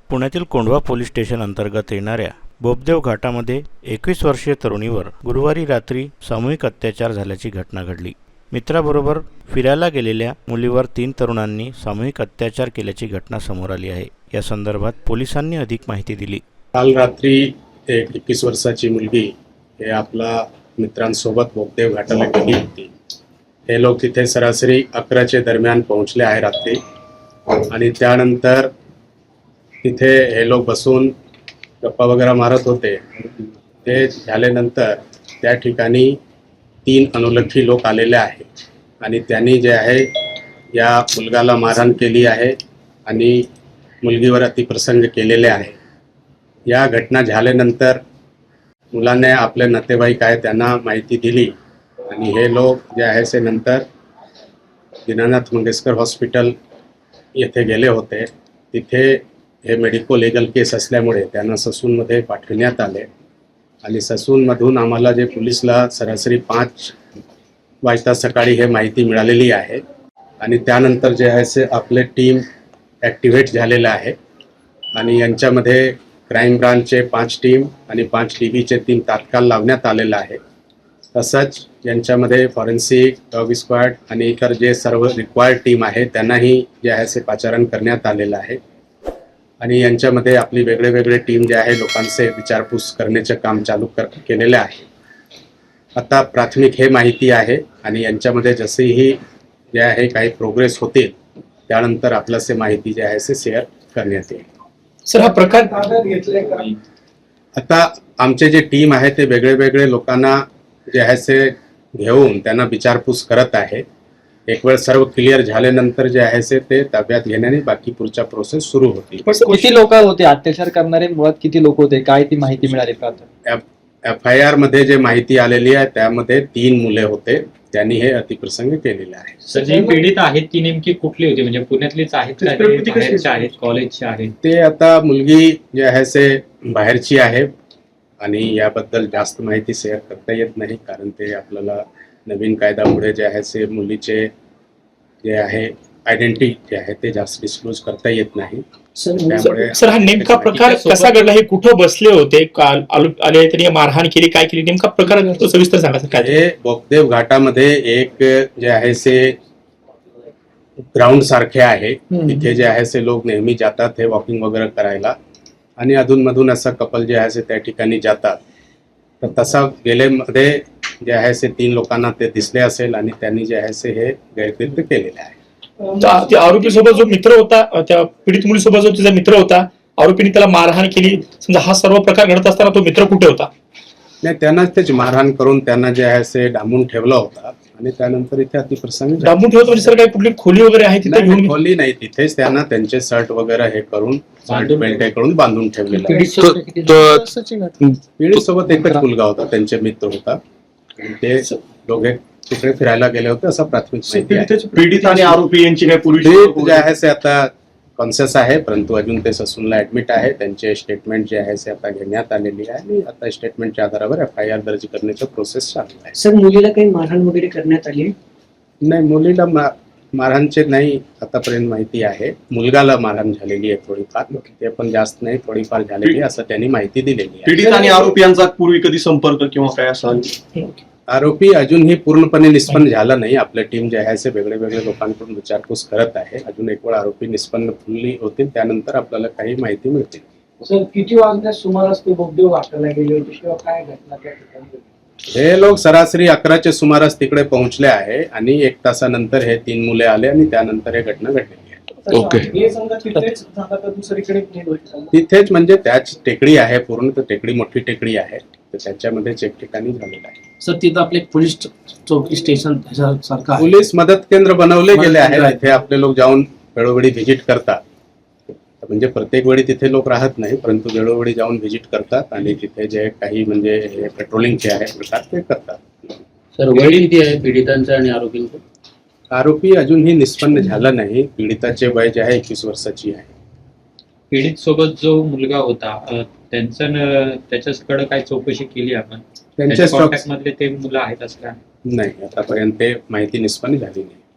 पुण्यातील Kondhwa police station अंतर्गत येणाऱ्या बोपदेव घाटामध्ये 21 वर्षीय तरुणीवर गुरुवारी रात्री सामूहिक अत्याचार झाल्याची घटना घडली। मित्राबरोबर फिरायला गेलेल्या मुलीवर 3 तरुणांनी सामूहिक अत्याचार केल्याची घटना समोर आली आहे। या संदर्भात पोलिसांनी अधिक माहिती दिली। काल रात्री एक 21 वर्षाची मुलगी हे आपला मित्रांसोबत बोपदेव घाटाला गेली होती। हे लोक तिथे सरासरी 11च्या दरम्यान पोहोचले आहे रात्री आणि त्यानंतर तिथे हे लोक बसून गप्पा वगैरे मारत होते। ते झाल्यानंतर त्या ठिकाणी 3 अनोळखी लोक आलेले आहेत आणि त्यांनी जे आहे या मुलगाला मारहाण केली आहे आणि मुलगीवर अतिप्रसंग केलेले आहे। या घटना झाल्यानंतर मुलाने आपले नातेवाईक आहे त्यांना माहिती दिली आणि हे लोक जे आहे ते नंतर दीनानाथ मंगेशकर हॉस्पिटल येथे गेले होते। तिथे हे मेडिको लीगल केस असल्यामुळे त्यांना ससूनमध्ये पाठवण्यात आले आणि ससूनमधून आम्हाला जे पोलिसला सरासरी 5 वाजता सकाळी हे माहिती मिळालेली आहे आणि त्यानंतर जे आहे ते आपले टीम ॲक्टिव्हेट झालेलं आहे आणि यांच्यामध्ये क्राईम ब्रांचचे 5 टीम आणि 5 DBचे 3 तात्काळ लावण्यात आलेलं आहे। तसंच यांच्यामध्ये फॉरेन्सिक डॉग स्क्वॉड आणि इतर जे सर्व रिक्वायर्ड टीम आहे त्यांनाही जे आहे ते पाचारण करण्यात आलेलं आहे आणि यांच्यामध्ये आपली वेगळे टीम जे आहे लोकांचे विचारपूस करण्याचे काम चालू केलेले आहे। आता प्राथमिक हे माहिती आहे आणि यांच्यामध्ये जसेही जे आहे काही प्रोग्रेस होतील त्यानंतर आपल्याला माहिती जे आहे ते शेअर करण्यात येईल। सर, हा प्रकार घेतलाय का? आता आमचे जे टीम आहे ते वेगळे लोकांना जे आहे ते घेऊन त्यांना विचारपूस करत आहे। एक वेळ सर्व क्लिअर झाल्यानंतर जे आहे ते ताब्यात घेण्याने बाकी पुढचा प्रोसेस सुरू होतील। किती लोक होते अत्याचार करणारे? मुळात किती लोक होते? काय ती माहिती मिळाली का? FIR मध्ये जे माहिती आलेली आहे त्यामध्ये 3 मुले होते, त्यांनी हे अतिप्रसंग केलेले आहे। सर, जी पीडित आहेत ती नेमकी कुठली होती? म्हणजे पुण्यातलीच आहेत का, बाहेरचे आहेत, कॉलेजचे आहेत? ते आता मुलगी जे आहे ते बाहेरची आहे आणि याबद्दल जास्त माहिती शेअर करता येत नाही, कारण ते आपल्याला नवीन कायद्यामुळे जे आहे ते मुलीचे जे आहे आयडेंटिटी जे आहे ते जास्त डिस्क्लोज करता येत नाही। सर, हा नेमका प्रकार कसा घडला? हे कुठं बसले होते? आले त्यांनी मारहाण केली, काय केली? नेमका प्रकार सविस्तर सांगा सर। काय हे बोपदेव घाटामध्ये एक जे आहे ते ग्राउंड सारखे आहे, तिथे जे आहे ते लोक नेहमी जातात हे वॉकिंग वगैरे करायला आणि अधूनमधून असं कपल जे आहे त्या ठिकाणी जातात। तर तसा गेलेमध्ये जे आहे ते 3 लोकांना ते दिसले असेल आणि त्यांनी जे आहे ते हे गैरकृत्य केलेले आहे। आरोपी सोबत जो मित्र होता, त्या पीडित मुलीसोबत जो तिचा मित्र होता, आरोपीने त्याला मारहाण केली, समजा हा सर्व प्रकार घडत असताना तो मित्र कुठे होता? नाही, त्यांनाच तेच मारहाण करून त्यांना जे आहे ते डांबून ठेवला होता आणि त्यानंतर इथे अतिप्रसंग डांबून ठेवतो म्हणजे सर काही कुठली खोली वगैरे आहे तिथे घेऊन? खोली नाही, तिथेच त्यांना त्यांचे शर्ट वगैरे हे करून बेल्ट करून बांधून ठेवलेलं आहे। पीडित सोबत एकच मुलगा होता, त्यांचे मित्र होता आणि ते दोघे तिकडे फिरायला गेले होते असं प्राथमिक माहिती आहे। पीडित आणि आरोपी यांची काही पूर्वी जे आहे ते आता कॉन्शियस आहे, परंतु अजून ते ससूनला ऍडमिट आहे। त्यांचे स्टेटमेंट जे आहे ते आता घेण्यात आलेली आहे आणि आता स्टेटमेंटच्या आधारावर FIR दर्ज करण्याचा प्रोसेस चालू आहे। सर, मुलीला काही मारहाण वगैरे करण्यात आली? नाही, मुलीला मारहाणचे नाही आतापर्यंत माहिती आहे। मुलगाला मारहाण झालेली आहे थोडीफार, ते पण जास्त नाही, थोडीफार झालेली असं त्यांनी माहिती दिलेली आहे। पीडित आणि आरोपी यांचा पूर्वी कधी संपर्क किंवा काय असा? आरोपी अजूनही पूर्णपणे निष्पन्न झाला नाही। आपल्या टीम जे आहे ते वेगळे लोकांकडून विचारपूस करत आहे। अजून एक वेळ आरोपी निष्पन्न फुल्ली होतील त्यानंतर आपल्याला काही माहिती मिळतील। सर, किती वाजण्यास सुमारास ते बोपदेव घाटाला गेले होते किंवा काय घटना त्या ठिकाणी? हे लोक सरासरी 11च्या सुमारास तिकडे पोहोचले आहे आणि 1 तासानंतर हे 3 मुले आले आणि त्यानंतर हे घटना घडलेली आहे। ओके. तिथेच म्हणजे त्याच टेकडी आहे, पूर्ण तर टेकडी मोठी टेकडी आहे, तर त्याच्यामध्येच एक ठिकाणी झालेलं आहे। सर, तिथं आपले पोलीस चौकी स्टेशन सारखं आहे? पोलीस मदत केंद्र बनवले गेले आहे, तिथे आपले लोक जाऊन वेळोवेळी व्हिजिट करतात। म्हणजे प्रत्येक वेळी तिथे लोक राहत नाही, परंतु वेळोवेळी जाऊन व्हिजिट करतात आणि तिथे जे काही म्हणजे पेट्रोलिंगचे आहे प्रकार ते करतात। सर, वय किती आहे पीडितांचं आणि आरोपींचं? आरोपी अजूनही निष्पन्न झाला नाही। पीडिताचे वय जे आहे 21 वर्षाची आहे। पीडित सोबत जो मुलगा होता त्याच्याकडे काय चौकशी केली आपण? त्यांच्या कॉन्टॅक्ट मधले ते मुलं आहेत असं काय? नाही, आतापर्यंत ते माहिती निष्पन्न झाली नाही।